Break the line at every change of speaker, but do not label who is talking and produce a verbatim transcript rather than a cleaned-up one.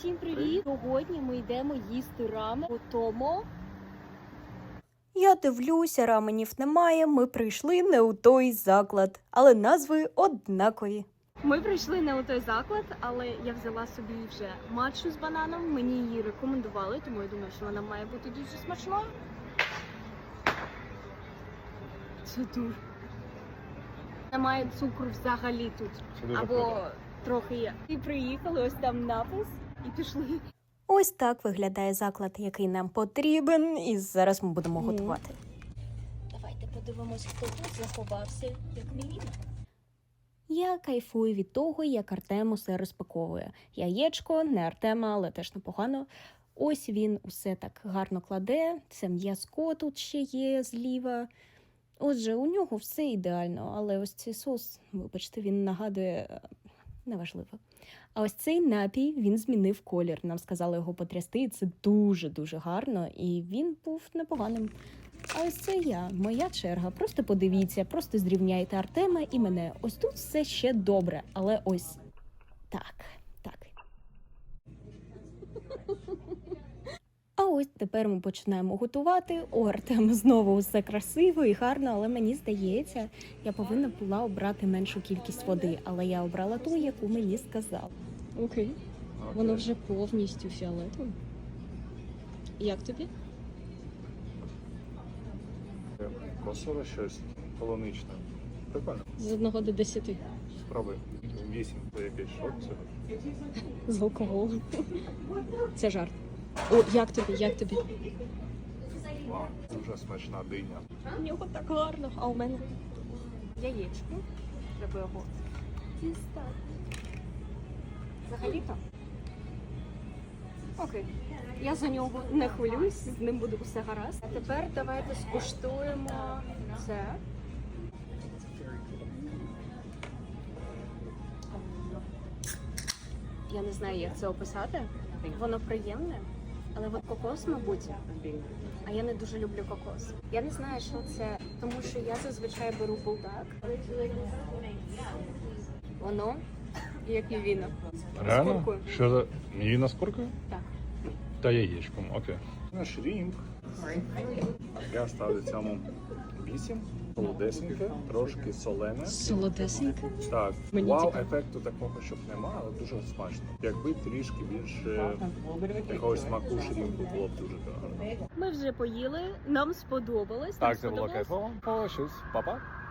Всім привіт! Сьогодні ми йдемо їсти рамен у Томо.
Я дивлюся, раменів немає, ми прийшли не у той заклад, але назви однакові.
Ми прийшли не у той заклад, але я взяла собі вже матчу з бананом. Мені її рекомендували, тому я думаю, що вона має бути дуже смачною. Це дуже. Немає цукру взагалі тут. Або
круто.
трохи є. І приїхали, ось там напис, і пішли.
Ось так виглядає заклад, який нам потрібен, і зараз ми будемо
Ну.
готувати.
Давайте подивимось, хто тут заховався, як Міліна.
Я кайфую від того, як Артем усе розпаковує. Яєчко, не Артема, але теж непогано. Ось він усе так гарно кладе, це м'язко тут ще є зліва. Отже, у нього все ідеально, але ось цей сос, вибачте, він нагадує, е, неважливо. А ось цей напій, він змінив колір. Нам сказали його потрясти, і це дуже-дуже гарно, і він був непоганим. А ось це я, моя черга. Просто подивіться, просто зрівняйте Артема і мене. Ось тут все ще добре, але ось так, так. А ось тепер ми починаємо готувати. У Артема знову все красиво і гарно, але мені здається, я повинна була обрати меншу кількість води, але я обрала ту, яку мені сказав.
Окей. Воно вже повністю фіолетове. Як тобі?
Косове щось полуничне. Прикольно.
З одного до десяти.
Спробуй. Вісім. Це якийсь шок цього.
З алкоголем. Це жарт. О, як тобі, як тобі?
Вау. Дуже смачна диня.
У нього так гарно, а у мене яєчко. Треба його дістати. Взагалі-то? Окей. Я за нього не хвилююсь, з ним буде все гаразд. А тепер давайте скуштуємо це. Я не знаю, як це описати. Воно приємне, але от кокос, мабуть. А я не дуже люблю кокос. Я не знаю, що це, тому що я зазвичай беру булдак. Воно як мівіна. З куркою.
Що за мівіна з куркою?
Так.
Та яєчком, окей. На шрімп. Я ставлю цьому вісім. Солодесеньке, трошки солене.
Солодесеньке.
Так,
Мені
вау,
цікаво.
ефекту такого, щоб немає, але дуже смачно. Якби трішки більше якогось смаку шрімпу було б дуже гарно.
Ми вже поїли, нам сподобалось.
Так,
нам
це було
сподобалось.
кайфово. О, щось, папа.